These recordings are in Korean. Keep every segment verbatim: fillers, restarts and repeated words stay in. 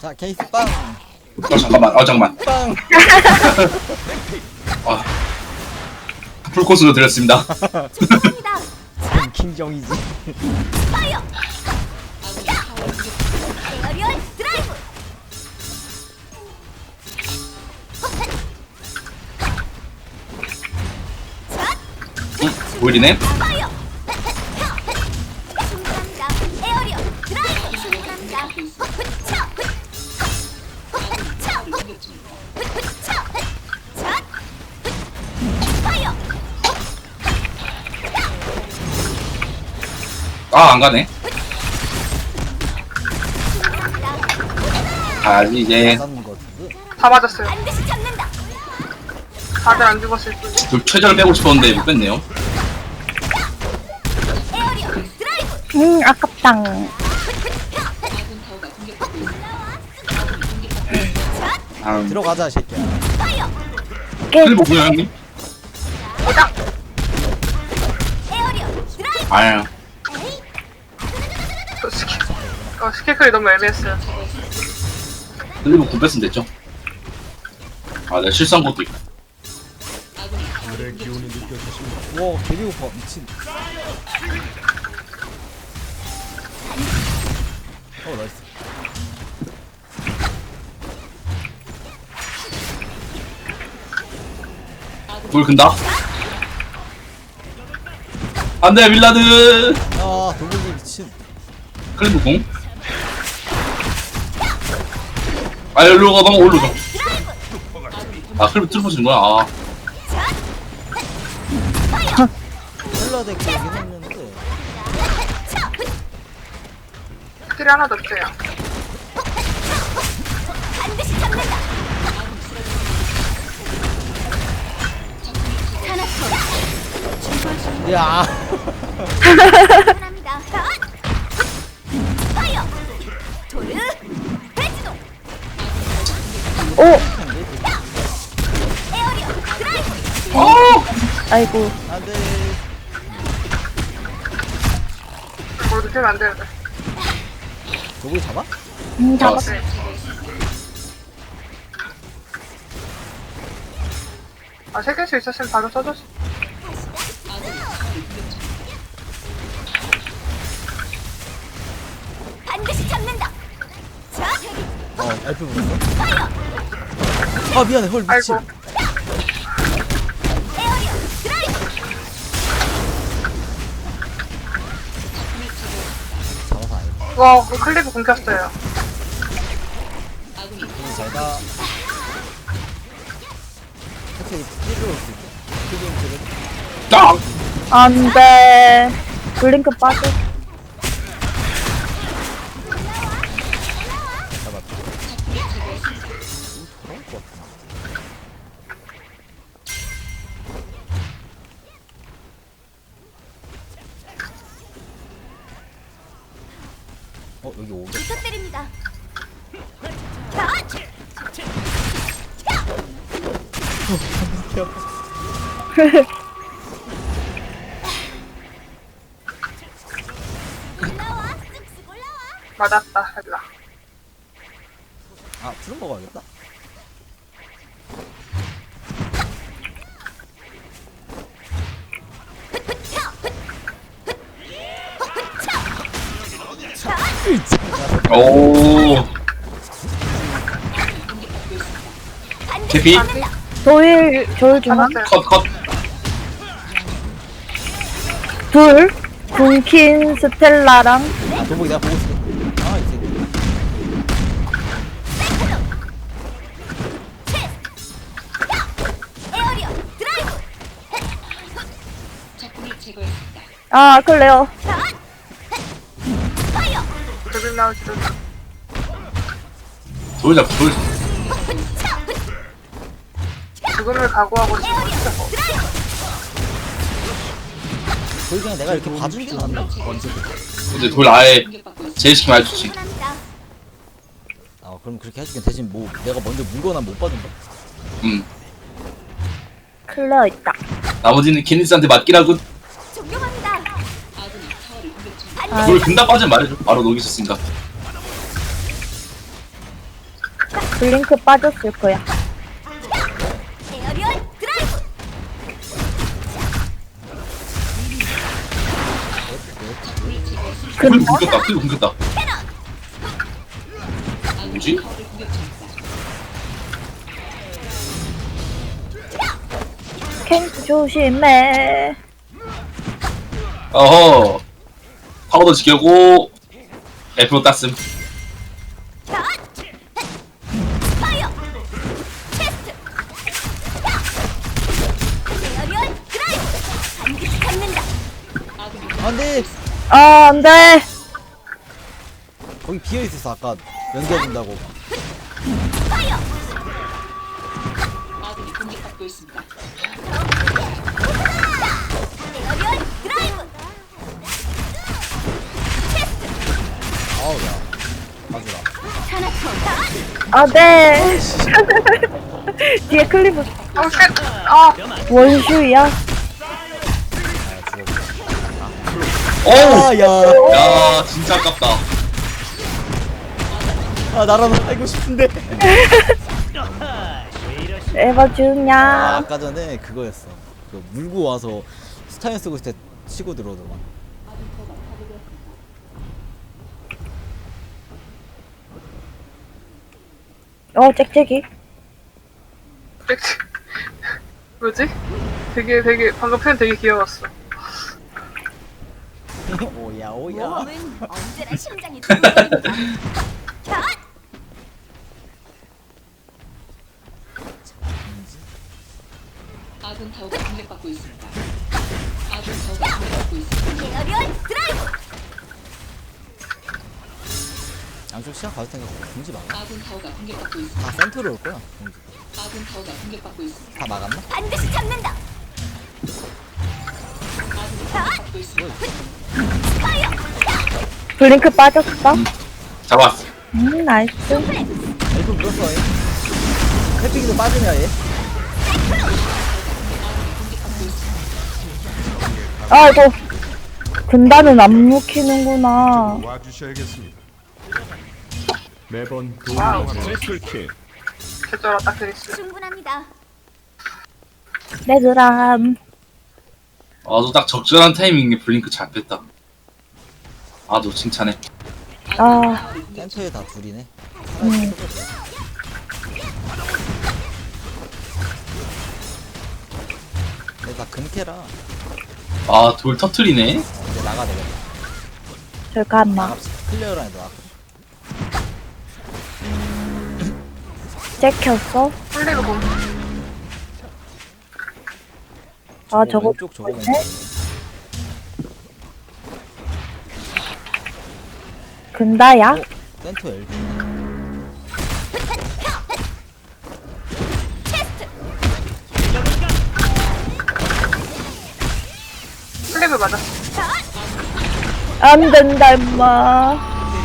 자 케이스 빵. 어 잠깐만 어 잠깐만 빵. 아 풀코스로 드렸습니다. 킹정이지. 파이어! 에어리얼 드라이브! 응? 보이리네? 파이어! 충분합니다. 에어리얼 드라이브! 충분합니다. 차! 차! 차! 자! 파이어! 아 안가네. 충분합니다. 아 이제 맞는 거 같은데. 다 맞았어요. 반드시 잡는다. 다들 안 죽었을 뿐. 좀 최저를 빼고 싶었는데 못 뺐네요. 에어리얼 드라이브! 음, 아깝당. 아 들어가자 새끼야. 파이어! 깨, 클리브 뭐야 형님? 에어리얼 드라이브! 아유 그 스킬, 어, 스킬클이 너무 애매했어요. 클리브 구 뺐으면 됐죠. 아 내가 실수한 것도 있고. 와 개비 오빠 미친. 어 나이스. 돌 근다. 안돼 밀라드. 아 돌고기 미친. 클리브 공. 아 일로 가다가 올라가. 아 클리브 뚫고 지는 거야. 아 헬라 덱 그러긴 했는데. 스킬이 하나도 없어요. 반드시 잡는다. 야. 충분합니다. 파이어! 도르! 배지동! 오! 에어리얼 드라이브! 어! 아이고. 안돼. 모두 피면 안 되는데. 돌고기 잡아? 음, 잡았 잡았어. 네. 아, 세 개씩 있었으면 바로 써줬어. 반드시 잡는다. 자, 어 엘프 물었어. 파이어! 아 미안해 헐 미친. 아이고. 에어리얼 드라이브! 잡아서 알고. 와, 그 클리브 굶겼어요. 잘가. 혹시 찌르러 올수 있어? 그게 그래. 딱! 안 돼. 블링크 빠져. 잡았다. 그런 거 같구나. 어 여기 오겠다. 부탁드립니다. 자, 올라와, 쓱쓱 올라와. 맞았다, 헬라. 아 푸른 먹어야겠다. 오 반드시 개피? 잡는다. 도일, 조일 중앙. 잡았어요. 컷 컷. 둘. 군킨 스텔라랑. 아 돌고기 내가 보고 있어. 아이 새끼. 에어리얼 드라이브! 아, 클레어. 파이어! 조금 나오지도. 돌 잡고 돌. 죽음을 각오하고 있어. 돌 그냥 내가 이렇게 봐주는 게 낫나? 언제든. 근데 돌 아예 제일시키면 아주 좋지. 충분합니다. 아 그럼 그렇게 해줄게. 대신 뭐 내가 먼저 물거나 못 받은다. 음 클레어 있다. 나머지는 케니스한테 맡기라고. 존경합니다. 아, 돌 근다 빠지면 말해줘. 바로 녹이 있었으니까. 블링크 빠졌을 거야. 에어리얼 드라이브. 클립 근다? 굶겼다 클립 굶겼다 뭐지? 캔 조심해. 어허 파우더 지켜고 F로 땄음 샷. 파이어. 테스트. 에어리얼 드라이브. 반드시 잡는다. 안돼. 아, 안 돼. 거기 비어 있었어 아까 연기해준다고. 파이어. 에어리얼 드라이브. 아우 야. 가주라. 타나토. 아, 네. 뒤에 클리브 어, 쉣! 아, 원슈야. 아 죽어. 어우 아야. 야 진짜 아깝다 아 나라도 살고 싶은데. 에바 아, 주냐. 아까 전에 그거였어. 그 물고 와서 스타일 쓰고 있을 때 치고 들어오더만. 어, 짹짹이. 그랬지. 뭐지? 되게, 되게, 방금 표현 되게 귀여웠어. 오야 오야. 몸은 언제나 심장이 두근거립니다. 샷. 아군 타워가 공격받고 있습니다. 아군 타워가 공격받고 있습니다. 에어리얼 드라이브. 양쪽 시작 가도 생각 공지 막아. 아군 타워가 공격받고 있습니다. 다 센터로 올 거야. 공지. 아군 타워가 공격받고 있습니다. 다 막았나? 반드시 잡는다. 아군이 공격받고 있습니다. 파이어. 블링크 빠졌어. 잡았어 음, 나이스. 엘프 물었어 얘. 해피기도 빠지냐 얘. 아이고. 군단은 안 묵히는구나. 와주셔야겠습니다. 매번 와우. 도움을 술킬. 개쩔었다, 크리스. 충분합니다. 레그람. 아주 딱 적절한 타이밍에 블링크 잘 뺐다 아주 칭찬해 아, 센터에 다 둘이네. 음. 근데 다 금캐라. 아 돌 터트리네 이제 나가 되겠다. 잠깐만. 나갑시다. 클리어라 해도 나가. 잭혔어? 플리그 공. 아, 저거. 왼쪽 저거 뭐지? 왼쪽. 근다야? 어? 센터 엘프. 플리그 맞았어. 안 된다, 임마.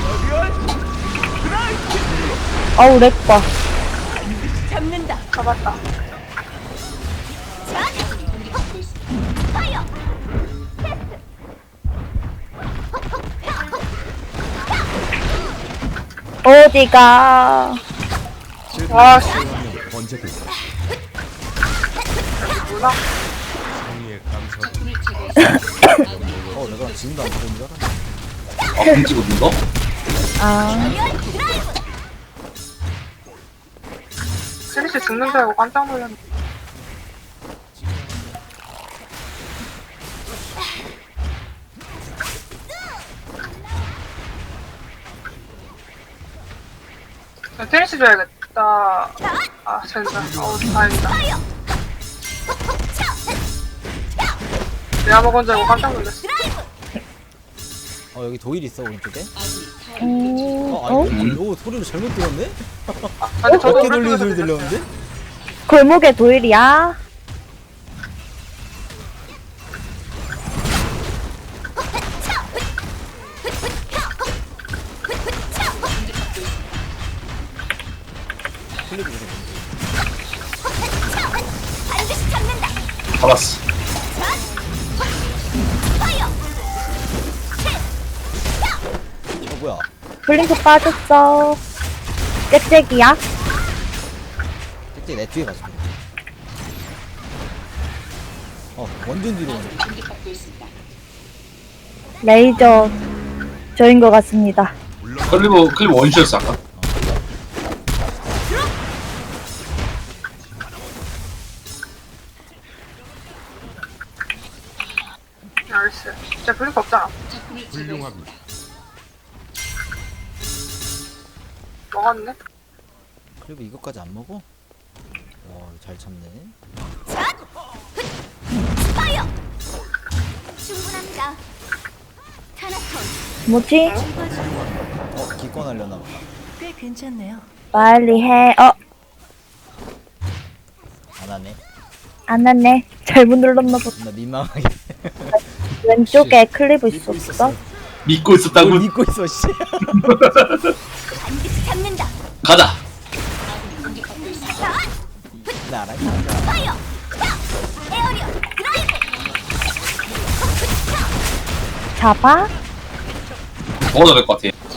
아우, 렉봐. 잡는다. 잡았다. 샷. 공격받고 있습니다. 파이어. 어디가. 와, 씨. 언제든 뭐나? 성의에 감사. 적군을 제거했습니다. 아군이 어 내가 지금도 안 보는 줄 알았네. 아 공 찍어준 거? 아, 에어리얼 드라이브. 크리스 죽는 줄 알고 깜짝 놀랐네. 야, 테니스 줘야겠다. 아, 진짜. 어우, 다행이다. 파이어. 내가 먹은 줄 알고 깜짝 놀랐어. 드라이브. 어 여기 도일 있어 오른쪽에. 아군이 타워를 음, 어 어? 아니 오 소리를 잘못 들었네? 아니, 저도 어깨 돌리는 오른쪽에서 소리 들렸어요. 들렸는데? 골목에 도일이야? 클릭 이거 반드시 잡는다. 잡았어 파이어. 어 뭐야? 블링크 빠졌어. 짹짹이야? 솔직히 내 뒤에 가줄게. 어 완전 뒤로 오네. 공격받고 있습니다. 레이저 저인 것 같습니다. 클리브 클리브 원슈였어 아까. 나이스. 진짜 블링크 없잖아. 적군을 훌륭합니다. 제거했습니다. 먹었네. 그리고 이것까지 안 먹어? 와 잘 참네. 파이어. 충분합니다. 타나톤 뭐지? 어 기권하려나 보다. 꽤 괜찮네요. 빨리 해. 어, 안 하네. 안 왔네. 잘못 눌렀나 보다. 나 민망하게. 왼쪽에 클리브 믿고 있었어? 믿고 있었다고. 뭘 믿고 있어 씨. 반드시 잡는다. 가자. 아군이 공격받고 있습니다. 나랑 파이어. 에어리어 드라이브. 잡아? 먹어도 될 것 같아.